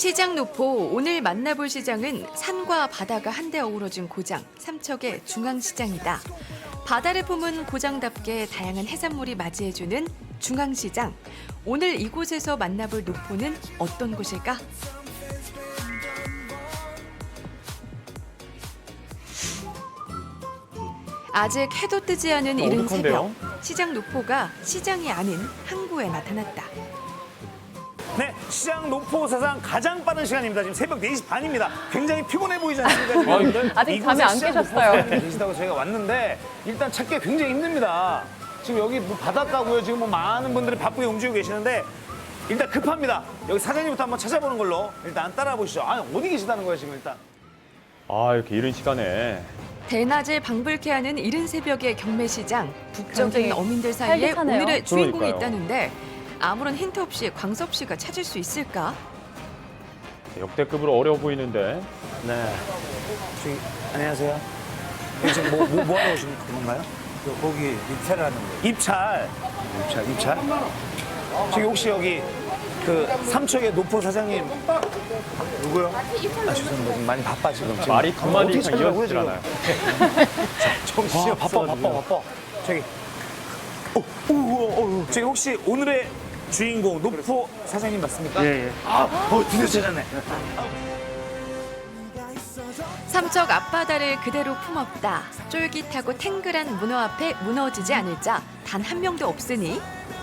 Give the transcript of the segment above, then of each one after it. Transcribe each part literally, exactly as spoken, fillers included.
시장 노포, 오늘 만나볼 시장은 산과 바다가 한데 어우러진 고장, 삼척의 중앙시장이다. 바다를 품은 고장답게 다양한 해산물이 맞이해주는 중앙시장. 오늘 이곳에서 만나볼 노포는 어떤 곳일까? 아직 해도 뜨지 않은 이른 새벽, 시장 노포가 시장이 아닌 항구에 나타났다. 네, 시장 노포 사상 가장 빠른 시간입니다. 지금 새벽 네 시 반입니다. 굉장히 피곤해 보이지 않습니까? 지금 여러분들? 아직 잠이 안 이곳에 깨셨어요. 시장 노포 계시다고 저희가 왔는데 일단 찾기가 굉장히 힘듭니다. 지금 여기 뭐 바닷가고요. 지금 뭐 많은 분들이 바쁘게 움직이고 계시는데 일단 급합니다. 여기 사장님부터 한번 찾아보는 걸로 일단 따라 보시죠. 아, 어디 계시다는 거예요, 지금 일단? 아, 이렇게 이른 시간에. 대낮에 방불케 하는 이른 새벽의 경매시장. 북적인 굉장히 어민들 사이에 활기차네요. 오늘의 주인공이 그러니까요. 있다는데 아무런 힌트 없이 광섭 씨가 찾을 수 있을까? 역대급으로 어려워 보이는데. 네. 저기, 안녕하세요. 여기 지금 뭐, 뭐, 뭐 하러 오신 건가요? 그 고기 입찰하는 거. 입찰. 입찰, 입찰? 저기 혹시 여기 그 삼척의 노포 사장님 누구요? 아, 죄송합니다. 지금 많이 바빠 지금. 지금 말이 두 마디 어떻게 이상 찾으라고요, 이어지질 지금? 않아요. 정신이 아, 바빠, 바빠, 바빠. 저기. 어, 오, 오, 오, 저기 혹시 오늘의 주인공 노포 사장님 맞습니까? 예, 예. 아, 어, 드디어 찾았네. 삼척 앞바다를 그대로 품었다. 쫄깃하고 탱글한 문어 앞에 무너지지 않을 자 단 한 명도 없으니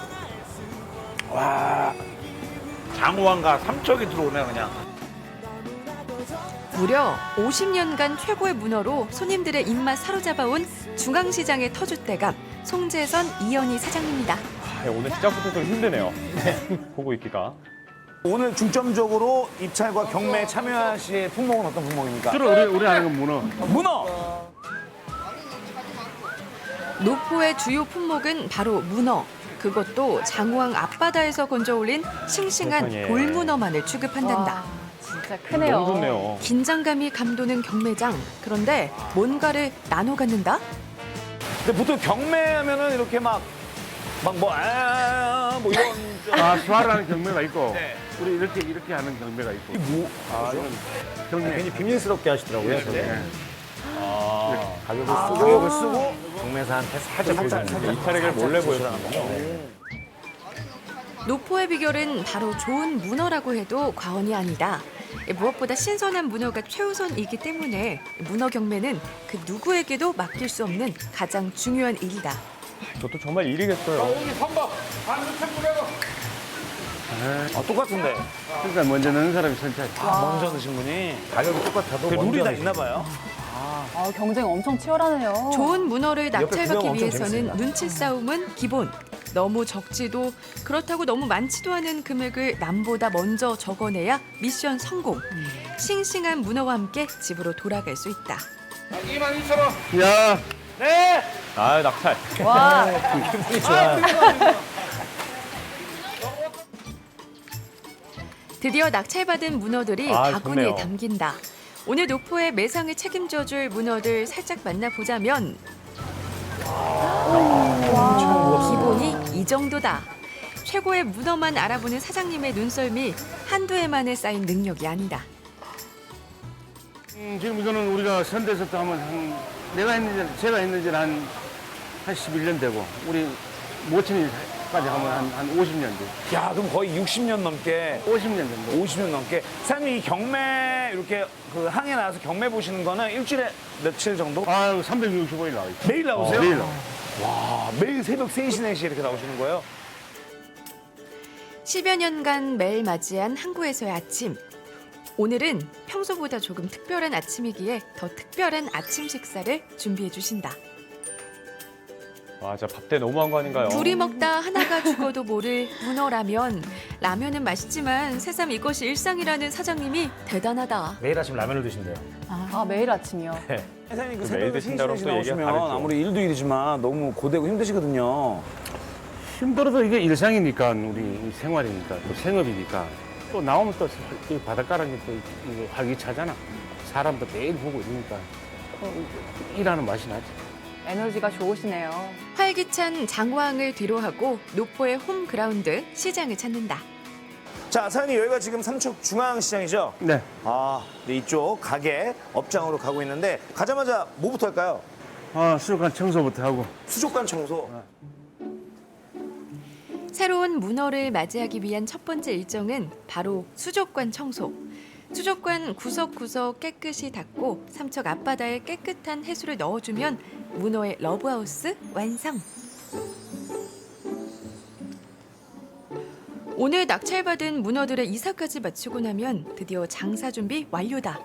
장호항과 삼척이 들어오네 그냥. 무려 오십 년간 최고의 문어로 손님들의 입맛 사로잡아온 중앙시장의 터줏대감 송재선 이연희 사장입니다. 아, 오늘 시작부터 좀 힘드네요. 보고 있기가. 오늘 중점적으로 입찰과 경매에 참여하실 품목은 어떤 품목입니까? 주로 우리 우리 하는 건 문어. 문어. 노포의 주요 품목은 바로 문어. 그것도 장호항 앞바다에서 건져올린 싱싱한 세상에. 돌문어만을 취급한단다. 와, 진짜 크네요. 너무 좋네요. 긴장감이 감도는 경매장. 그런데 뭔가를 나눠 갖는다? 근데 보통 경매하면은 이렇게 막 막 뭐 아, 뭐 이런 아 수화라는 경매가 있고 네. 우리 이렇게 이렇게 하는 경매가 있고. 뭐 아 이건 경매. 괜히 비밀스럽게 하시더라고요. 저게. 네. 아, 가격을 쓰고 가격을 쓰고 경매사한테 살짝 보여주는 이 차례를 몰래 보여주는군요. 노포의 비결은 바로 좋은 문어라고 해도 과언이 아니다. 무엇보다 신선한 문어가 최우선이기 때문에 문어 경매는 그 누구에게도 맡길 수 없는 가장 중요한 일이다. 저도 정말 일이겠어요. 아, 똑같은데. 그러니까 먼저 넣는 사람이 선착. 아, 먼저 드신 분이 가격이 똑같아도 그 룰이 먼저 다 있나 봐요. 아, 경쟁 엄청 치열하네요. 좋은 문어를 옆에 구경 낙찰받기 엄청 위해서는 재밌습니다. 눈치 싸움은 기본. 너무 적지도 그렇다고 너무 많지도 않은 금액을 남보다 먼저 적어내야 미션 성공. 싱싱한 문어와 함께 집으로 돌아갈 수 있다. 야, 네. 아, 낙찰. 와, 기분이 좋아요. 드디어 낙찰받은 문어들이 아, 바구니에 좋네요. 담긴다. 오늘 노포의 매상을 책임져줄 문어들 살짝 만나보자면 기본이 이 정도다. 최고의 문어만 알아보는 사장님의 눈썰미 한두 해 만에 쌓인 능력이 아니다. 음, 지금 이거는 우리가 선대서부터 하면 한 내가 했는지 제가 했는지는 한, 한 십일 년 되고 우리 모친이까지 하면 한, 한 오십 년 돼. 야, 그럼 거의 육십 년 넘게 오십 년 정도. 오십 년 넘게 사장님 이 경매 이렇게 그 항에 나와서 경매 보시는 거는 일주일에 며칠 정도? 아, 삼백육십오 일 나와 있어. 매일 나오세요? 매일 나와. 와, 매일 새벽 세 시, 네 시 이렇게 나오시는 거예요? 십여 년간 매일 맞이한 항구에서의 아침. 오늘은 평소보다 조금 특별한 아침이기에 더 특별한 아침 식사를 준비해 주신다. 아, 진짜 밥때 너무한 거 아닌가요? 둘이 먹다 하나가 죽어도 모를 문어라면. 라면은 맛있지만 새삼 이것이 일상이라는 사장님이 대단하다. 매일 아침 라면을 드신대요. 아, 매일 아침이요. 사장님 그 그 매일 새벽에 세 시, 드신다고 네 시 또 얘기가 나오시면 다르죠. 아무리 일도 일이지만 너무 고되고 힘드시거든요. 힘들어도 이게 일상이니까 우리 생활이니까 또 생업이니까 또 나오면 또 이 바닷가라는 게또 이거 활기차잖아. 사람도 매일 보고 이러니까 또 일하는 맛이 나지. 에너지가 좋으시네요. 활기찬 장호항을 뒤로하고 노포의 홈그라운드 시장을 찾는다. 자, 사장님 여기가 지금 삼척 중앙시장이죠? 네. 아, 네, 이쪽 가게 업장으로 가고 있는데 가자마자 뭐부터 할까요? 아, 수족관 청소부터 하고. 수족관 청소. 새로운 문어를 맞이하기 위한 첫 번째 일정은 바로 수족관 청소. 수족관 구석구석 깨끗이 닦고 삼척 앞바다에 깨끗한 해수를 넣어주면 문어의 러브하우스 완성. 오늘 낙찰받은 문어들의 이사까지 마치고 나면 드디어 장사 준비 완료다.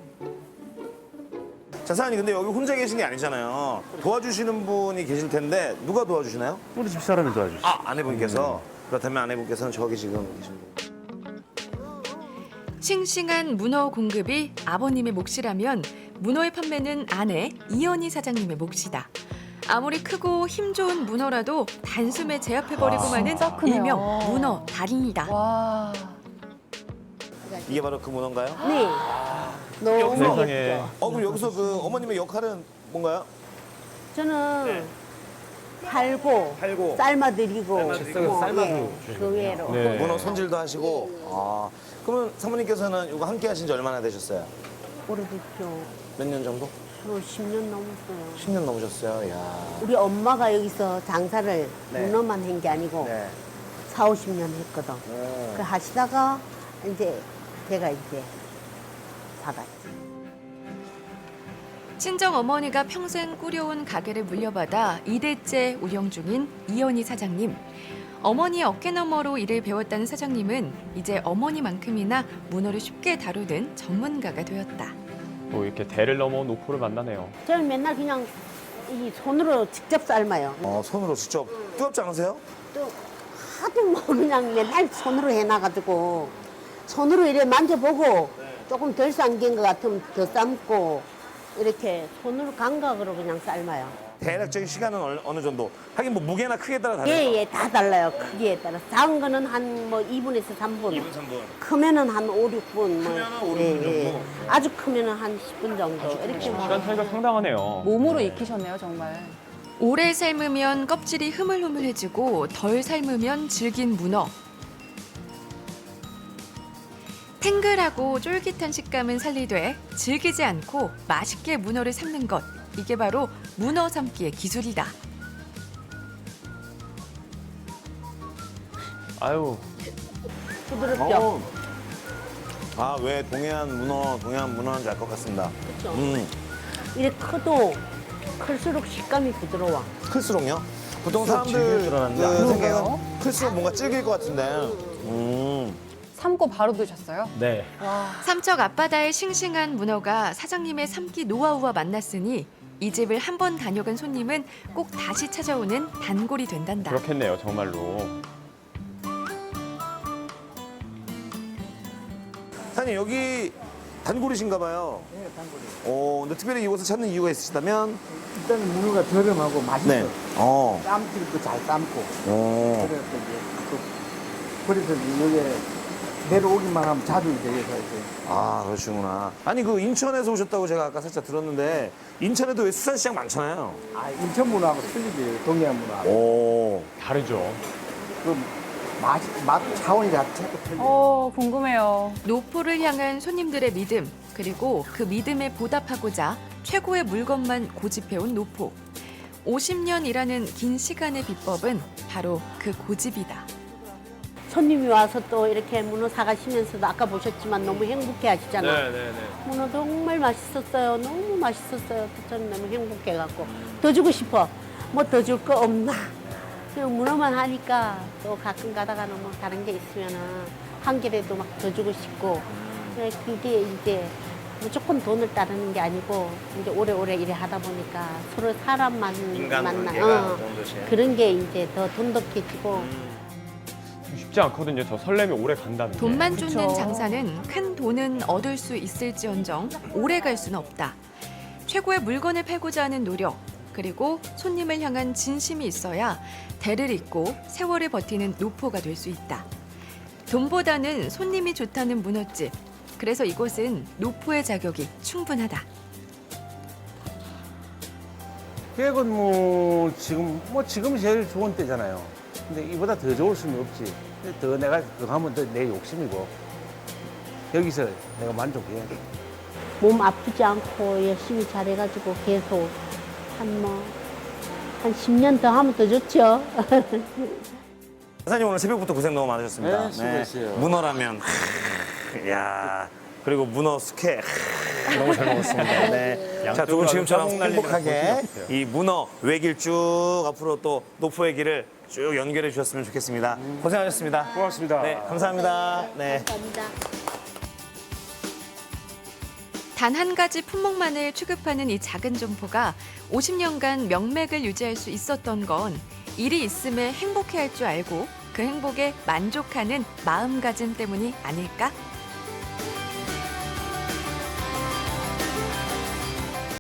자, 사장님 근데 여기 혼자 계신 게 아니잖아요. 도와주시는 분이 계실 텐데 누가 도와주시나요? 우리 집 사람이 도와주시. 아, 아내분께서. 그렇다면 아내분께서는 저기 지금 계신 분. 싱싱한 문어 공급이 아버님의 몫이라면 문어의 판매는 아내 이연희 사장님의 몫이다. 아무리 크고 힘 좋은 문어라도 단숨에 제압해버리고 마는 진짜 크네요. 일명 문어 달인이다. 와. 이게 바로 그 문어인가요? 네. 너무 세상에. 예쁘죠. 어, 그럼 여기서 그 어머님의 역할은 뭔가요? 저는 팔고, 팔고. 삶아드리고, 삶아드리고. 삶아도 예, 그 외로. 네. 문어 손질도 하시고. 아, 그러면 사모님께서는 이거 함께 하신 지 얼마나 되셨어요? 오래됐죠. 몇 년 정도? 저 십 년 넘었어요. 십 년 넘으셨어요. 야. 우리 엄마가 여기서 장사를 네. 문어만 한 게 아니고 네. 사오십 년 했거든. 네. 그 하시다가 이제 제가 이제 사갔지. 친정 어머니가 평생 꾸려온 가게를 물려받아 이 대째 운영 중인 이연희 사장님. 어머니의 어깨너머로 일을 배웠다는 사장님은 이제 어머니만큼이나 문어를 쉽게 다루는 전문가가 되었다. 또 이렇게 대를 넘어 노포를 만나네요. 저는 맨날 그냥 이 손으로 직접 삶아요. 어, 손으로 직접. 뜨겁지 않으세요? 또 하도 뭐 그냥 맨날 손으로 해놔가지고 손으로 이렇게 만져보고 조금 덜 삶긴 것 같으면 더 삶고 이렇게 손으로 감각으로 그냥 삶아요. 대략적인 시간은 어느, 어느 정도? 하긴 뭐 무게나 크기에 따라 다르죠? 예, 예, 다 달라요. 크기에 따라. 작은 거는 한 뭐 이 분에서 삼 분. 이 분, 삼 분. 크면은 한 오, 육 분. 뭐. 크면은 오, 육 분 정도? 아주 크면은 한 십 분 정도. 이렇게 뭐. 시간 차이가 상당하네요. 몸으로 익히셨네요, 정말. 오래 삶으면 껍질이 흐물흐물해지고 덜 삶으면 질긴 문어. 탱글하고 쫄깃한 식감은 살리되 질기지 않고 맛있게 문어를 삶는 것. 이게 바로 문어 삶기의 기술이다. 아유, 부드럽죠? 아, 왜 동해안 문어, 동해안 문어인 줄 알 것 같습니다. 그렇죠. 음, 이렇게 커도 클수록 식감이 부드러워. 클수록요? 보통 질길 사람들 줄 알았는데 그 안 생각은 클수록 뭔가 질길 것 같은데. 음. 삶고 바로 드셨어요? 네. 삼척 앞바다의 싱싱한 문어가 사장님의 삶기 노하우와 만났으니 이 집을 한 번 다녀간 손님은 꼭 다시 찾아오는 단골이 된단다. 그렇겠네요, 정말로. 사장님, 여기 단골이신가 봐요. 네, 단골이. 어, 근데 특별히 이곳을 찾는 이유가 있으시다면? 일단 문어가 저렴하고 맛있어. 네. 어. 쌈질도 잘 삶고. 어. 그래서 이제 또 그래서 여기 내려오기만 하면 자주 이제 여기서 이제 아, 그러시구나. 아니, 그 인천에서 오셨다고 제가 아까 살짝 들었는데, 인천에도 왜 수산시장 많잖아요. 아 인천 문어하고 틀리지 동해안 문어하고 오. 다르죠. 그 맛, 맛 차원이 자체가 틀려. 어, 궁금해요. 노포를 향한 손님들의 믿음, 그리고 그 믿음에 보답하고자 최고의 물건만 고집해온 노포. 오십 년 일하는 긴 시간의 비법은 바로 그 고집이다. 손님이 와서 또 이렇게 문어 사가시면서도 아까 보셨지만 너무 행복해 하시잖아. 네, 네. 문어 정말 맛있었어요. 너무 맛있었어요. 저는 너무 행복해갖고 더 주고 싶어. 뭐 더 줄 거 없나? 그냥 문어만 하니까 또 가끔 가다가는 뭐 다른 게 있으면은 한 개라도 막 더 주고 싶고 그래, 그게 이제 무조건 돈을 따르는 게 아니고 이제 오래오래 일을 하다 보니까 서로 사람만 만나 어, 그런 게 이제 더 돈독해지고 쉽지 않거든요. 저 설렘이 오래 간다는 게. 돈만 그쵸. 쫓는 장사는 큰 돈은 얻을 수 있을지언정 오래 갈 수는 없다. 최고의 물건을 팔고자 하는 노력, 그리고 손님을 향한 진심이 있어야 대를 잇고 세월을 버티는 노포가 될 수 있다. 돈보다는 손님이 좋다는 문어집. 그래서 이곳은 노포의 자격이 충분하다. 계획은 뭐 지금 뭐 지금 제일 좋은 때잖아요. 근데 이보다 더 좋을 수는 없지. 근데 더 내가 더 하면 더 내 욕심이고 여기서 내가 만족해야 돼. 몸 아프지 않고 열심히 잘해가지고 계속 한 뭐, 한 십 년 더 하면 더 좋죠. 사장님 오늘 새벽부터 고생 너무 많으셨습니다. 네, 수고했어요. 문어라면, 야 그리고 문어 숙회 너무 잘 먹었습니다. 네. 자, 두 분 지금처럼 행복하게 이 문어 외길 쭉 앞으로 또 노포의 길을 쭉 연결해 주셨으면 좋겠습니다. 고생하셨습니다. 고맙습니다. 네, 감사합니다. 네. 감사합니다. 단 한 가지 품목만을 취급하는 이 작은 점포가 오십 년간 명맥을 유지할 수 있었던 건 일이 있음에 행복해할 줄 알고 그 행복에 만족하는 마음가짐 때문이 아닐까?